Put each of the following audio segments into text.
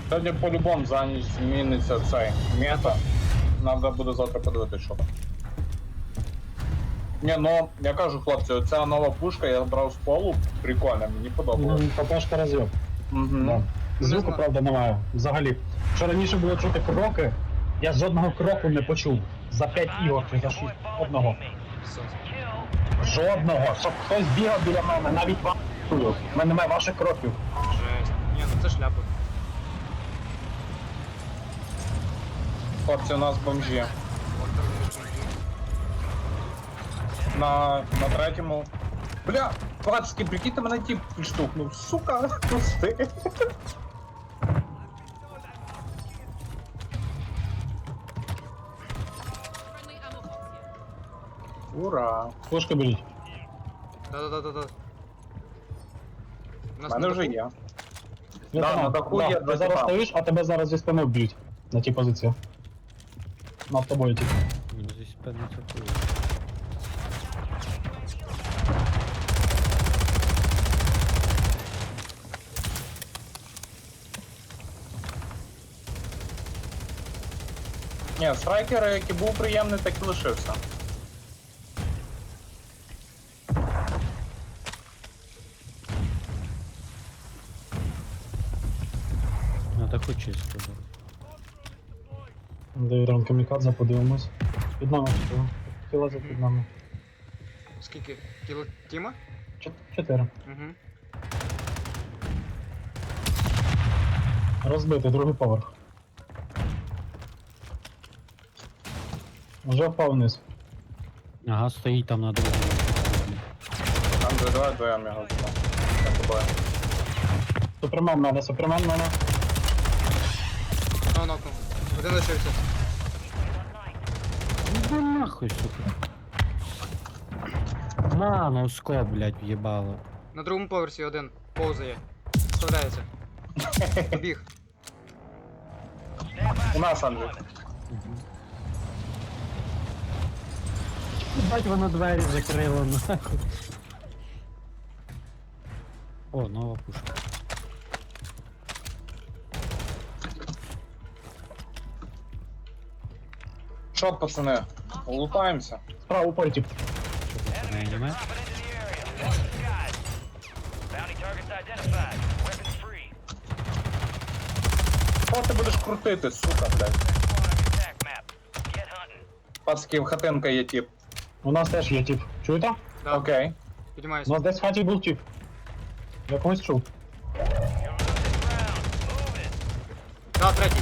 Сьогодні по-любому за ніч зміниться цей мета. Надо буде завтра подивитися, що там. Ні, ну, я кажу, хлопці, оця нова пушка я брав з полу, прикольно, мені подобалось. ППшка розйом. Угу. Да. Звуку, знаю. правда, немає. Взагалі. Що раніше було чути кроки, я жодного кроку не почув. За 5 ігор чи за 6. Одного. Все. Жодного. Щоб хтось бігав біля мене, навіть вам. У мене немає ваших кроків. Жесть. Ні, ну це шляпа. Хлопці, у нас бомжі. На третьому. Бля, пацки, прикиньте, мене тип підштовхнув. Сука, пусти. Ура. Пушка беріть. Да-да-да-да-да. У У нас мене на вже даху. є. Я Да, знаю, на даху є Ти два зараз тіпа. стоїш, а тебе зараз зі спини вб'ють. На тій позиції. Над тобою тільки. Ну, здесь певно такое. Ні, страйкер, який був приємний, так і лишився. Ну, так хоч чисто, да. Девіром камікадзе, подивимось. Під нами що? Хотіла за під нами. Скільки? Кіло Тіма? 4. Угу. Розбитий, другий поверх. Вже впав вниз. Ага, стоїть там на другому. Там же давай двоєм його знову. Я тобою. Супермен надо, супермен надо. Нокнув. Один лишився. Ну нахуй, сука. На, ну скоп, блядь, в'єбало. На другому поверсі один. Повзає. Вставляється. Побіг. У нас, Андрій. Бать, воно двері закрило, нахуй. О, нова пушка. Що, пацани, лутаємося? Справа упорі тип. Що це, не аніме? Що ти будеш крутити, сука, блядь? Пацки, в хатинка є тип. У нас теж є тип. Чуєте? Да. Окей. У Піднімаюся. нас десь в хаті був тип. Я когось чув. Да, третій.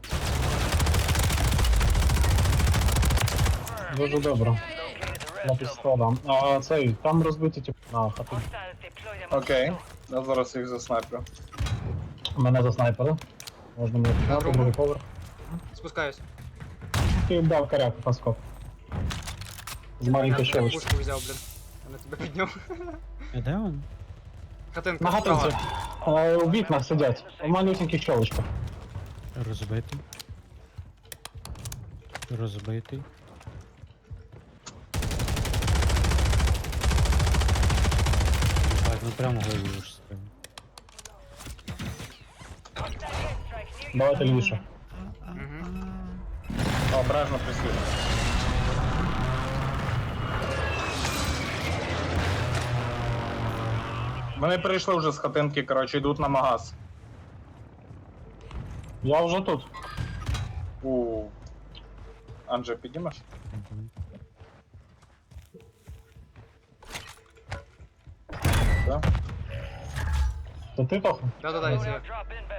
Дуже добре. На пістола. А цей, там розбитий тип на хаті. Окей. Я зараз їх заснайплю. Мене заснайпили. Можна мені підняти, Добре. другий поверх. Спускаюсь. Ти дав коряк паскоп. З маленької Я щелочки. пушку взяв, блін. Я на тебе підняв. А де він? Хатинка На справа. гатинці. У вікнах сидять. У малюсеньких щелочках. Розбитий. Розбитий. Так, ну прямо голову ж стрим. Давайте лівіше. Угу. Обережно присвітлю. Вони перейшли вже з хатинки, коротше, йдуть на магаз. Я вже тут. Анже, підіймеш? Мгм. Так? То ти, Тоха? Да-да-да, я це.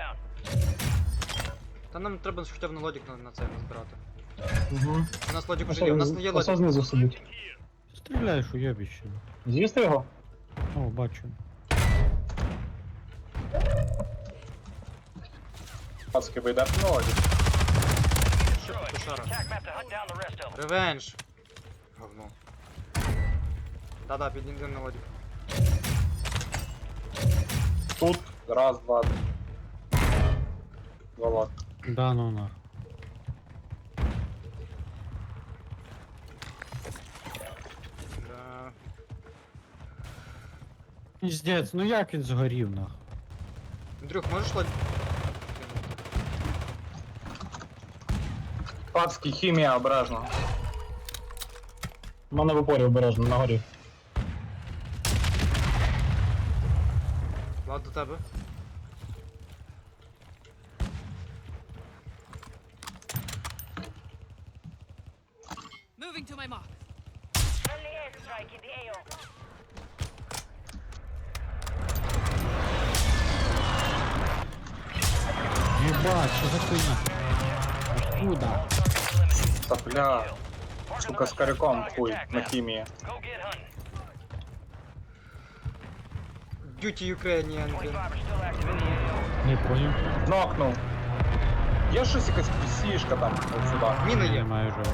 Та нам треба хоча б на лодік на це назбирати. Угу. У нас лодік уже є, у нас не є Ось лодік. знизу сидить. Стріляєш у йобіще. З'їсти його? О, бачу. Пацки, ви йдете на лоді? Що ти, кошара? Ревенж. Говно. Да-да, підійдемо на лодік. Тут. Раз, два. Два лад. Да, ну нахуй. Да. Піздець, ну як він згорів нахуй? Андрюх, можеш лодік? Пацки, хімія обережно. У мене в упорі обережно, на горі. Влад, до тебе. Moving to my mark. Friendly airstrike in the AO. Єбать, що за хуйня? Откуда? Та бля. Сука, з коряком хуй на хімії. Duty Ukrainian, блін. Не понял. Нокнув. Є щось якась пісішка там, от сюди. Міна є. Немає вже.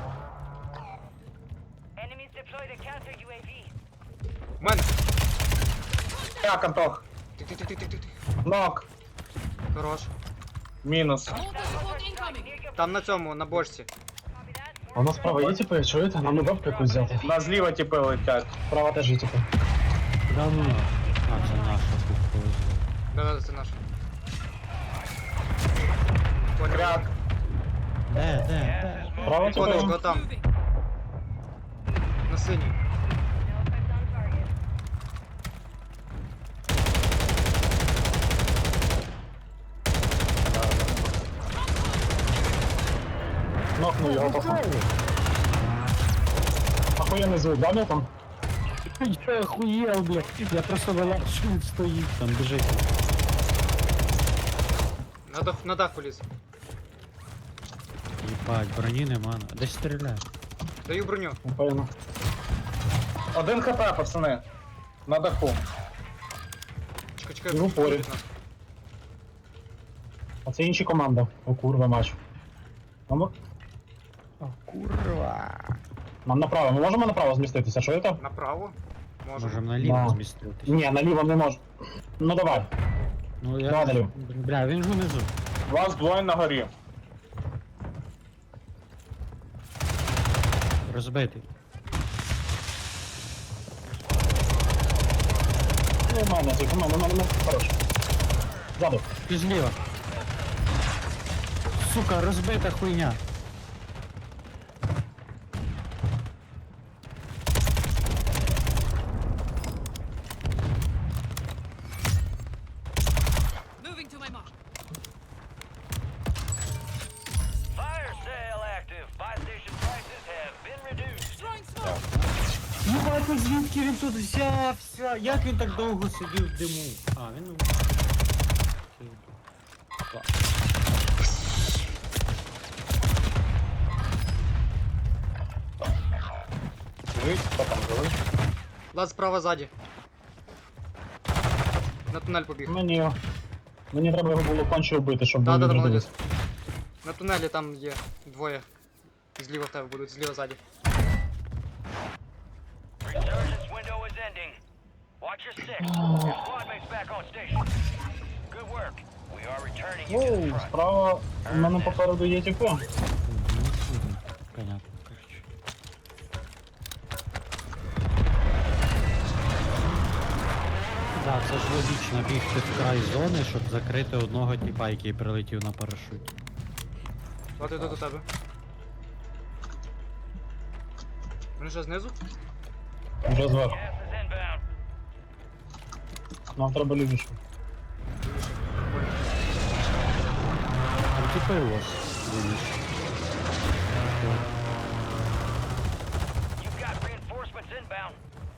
Enemies deploy the counter UAV. В мене. Як, Антох? Тих. Нок. Хорош. Мінус. Mortar support incoming. Там на цьому, на бочці. А у нас справа є типи, чуєте? Нам не бабку якусь взяти. На зліва тіпи летять. Справа теж є типи. Да ну. А, це наша тут повезло. Да, це наш. Понял. Кряк. Де? Справа типи. Конечко, там. Moving. На синій. Нокнув його пацан. Охуєнний звук, да, ну там? Я охуєл, блядь. Я просто вилазь, що він стоїть там, біжить. На дах поліз. Єбать, броні нема. Десь стріляє. Даю броню. Напевно. 1 хп, пацани. На даху. Чекай. І в упорі. будуть нас. А це інші команда. О, курва, матч. Нам, О, курва. нам направо. Ми можемо направо зміститися, чуєте? Направо? Можемо. Можем наліво Да. зміститись. Ні, наліво не можу. Ну давай. Ну Давай я... наліво. Бля, він ж унизу. Вас двоє на горі. Розбитий. Ну, у мене, тільки у мене. Хорош. Ззаду. Ти зліва. Сука, розбита хуйня. Moving to my mark. Fire sale active. Buy station prices have been reduced. Throwing smoke. Єбать, ну звідки він тут взявся? Як він так довго сидів в диму? А, він... Живіть, хто там живий? Влад справа ззаді. На тунель побіг. Мені треба його було конче вбити, щоб Да, він молодець. відродився. На тунелі там є двоє. Зліва в тебе будуть, зліва ззаді. Resurgence window is ending. Watch your six. Your squad mates back on station. Good work. We are returning you to the Оу, front. справа у мене попереду є типи. Понятно, короче. Да, це ж логічно бігти в край зони, щоб закрити одного типа, який прилетів на парашуті. Влад, іду до тебе. Вони що, знизу? Вже зверху. Gas is inbound. Нам треба лівіше. Там типи у вас. Дивись. You've got reinforcements inbound.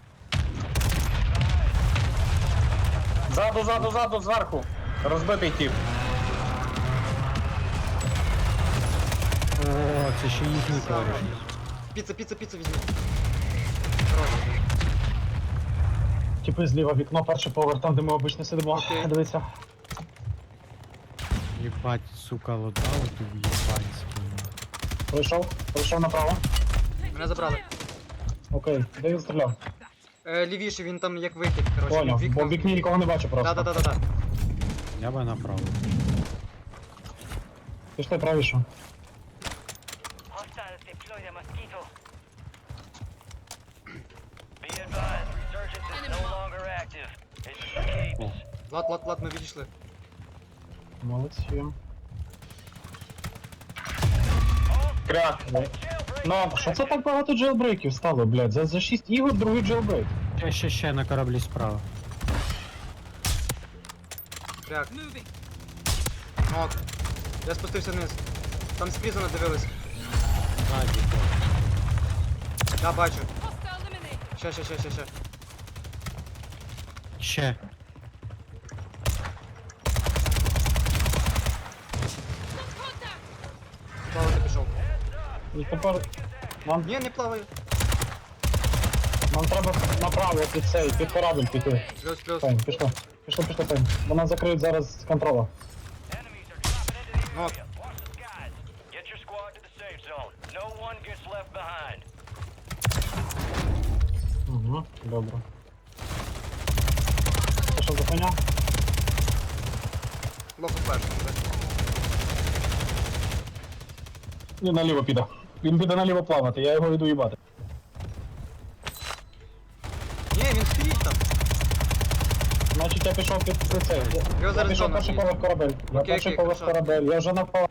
Ззаду, зверху. Розбитий тіп. О, це ще їхній кореш. Піца візьми. Хорош. Типи зліва вікно, перший поверх, там де ми обично сидимо. Окей. Дивіться. Єбать, сука, лотаут тут єбанський. Пройшов направо. Мене забрали. Окей, де він стріляв? Лівіше, він там як вихід, коротше. Поняв, вікно. бо в вікні нікого не бачу просто. Да. Я би направо. Пішли правіше. Hostiles deploy the mosquito. Be advised, resurgence is no longer active. It's escapes. Влад, ми відійшли. Молодці. All Кряк. Ну, що це так багато джелбрейків стало, блядь? За 6 ігор другий джелбрейк. Ще на кораблі справа. Кряк. Moving. Нок. Я спустився вниз. Там з призона дивились. Ззаді. Да, бачу. Hostile eliminated. Ще. Ще. Contact. Плавати пішов. І тепер Ні, не плаваю. нам треба направо під цей, під корабль піти. Плюс. Пень, пішло. Пішло, Пень. Бо нас закриють зараз з контрола. Enemies are dropping into the Нок. area. Watch the skies. Get your squad to the safe zone. No one gets left behind. Угу, добре. Це що за коня? Лоху перший. Він наліво піде. Він піде наліво плавати, я його йду їбати. Ні, він стоїть там. Значить я пішов під цей. Я зараз пішов зона перший є. поверх корабель. Я Окей, перший окей, поверх хорошо. корабель. Я вже напав.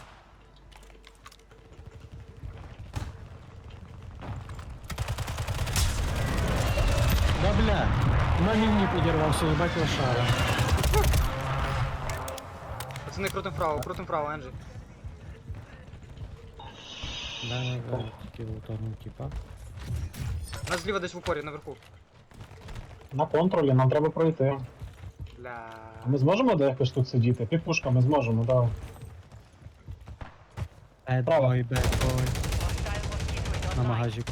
Да бля. На лінії підірвався, їбать лошара. Пацани, крутим вправо, Енджі. Да, тільки утонув, типа. Нас зліва десь в упорі, наверху. На контролі, нам треба пройти. Бля. Ми зможемо де якось тут сидіти? Під пушками зможемо, так. Право. Бедбой. На магазику.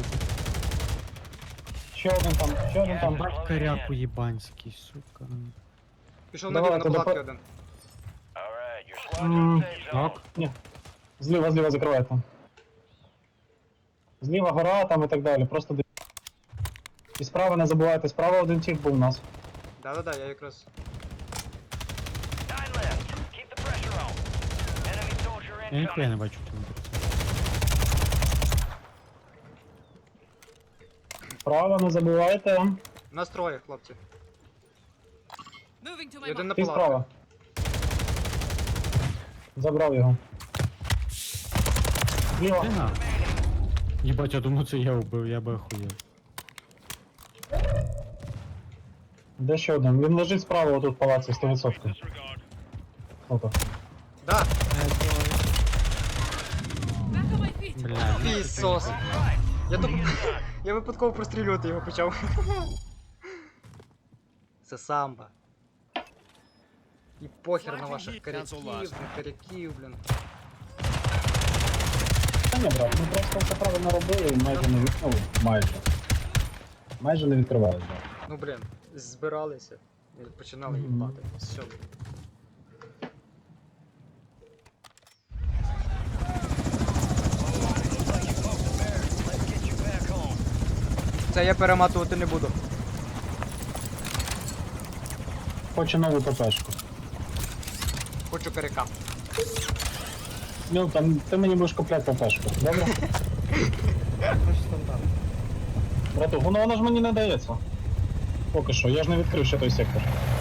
Ще один там. Бать коряку їбанський, сука. Пішов Давай, наліво на то палатки допо- один. Alright, your squad to the safe zone. Ок. Ні. Зліва закривайте. Зліва гора там і так далі. Просто і справа не забувайте, справа один тіп був у нас. Да, я якраз. 9 left. Keep the pressure on. Enemy soldier Я ніхуя не incoming. бачу там. Справа не забувайте. Нас троє, хлопці. Moving to І my один mark. на Ти палатку. справа. Забрав його. Зліва. Ти на. Їбать, я думаю, це я вбив, я би охуєв. Де ще один? Він лежить справа отут в палаці 100%. Опа. Да, Back on my feet. Бля, ну, пісос. Я випадково прострілювати його почав. Це самбо. І похер на ваших коряків, блін. Та ні, брат, ми просто все правильно робили і майже не відкрили. Майже не відкривали, брат. Ну блін, збиралися і починали Мгм. їбати. Все. Let's get you back home. Це я перематувати не буду. Хочу нову ППшку. Хочу коряка. Ну, там ти мені будеш купляти ППшку, добре? Стандарт. Брату, воно ж мені не дається. Поки що, я ж не відкрив ще той сектор.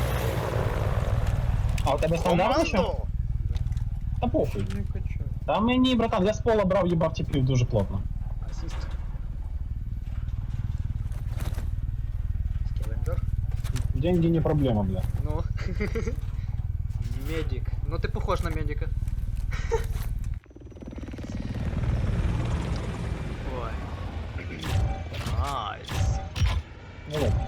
А у тебе стандарт ще? Та похуй. Та мені, братан, я з пола брав, їбав тіпів дуже плотно. Асіст. Скелендер. Деньги не проблема, бля. Ну. Медик. Ну ты похож на медика. Ой. Найс. Ну, ладно.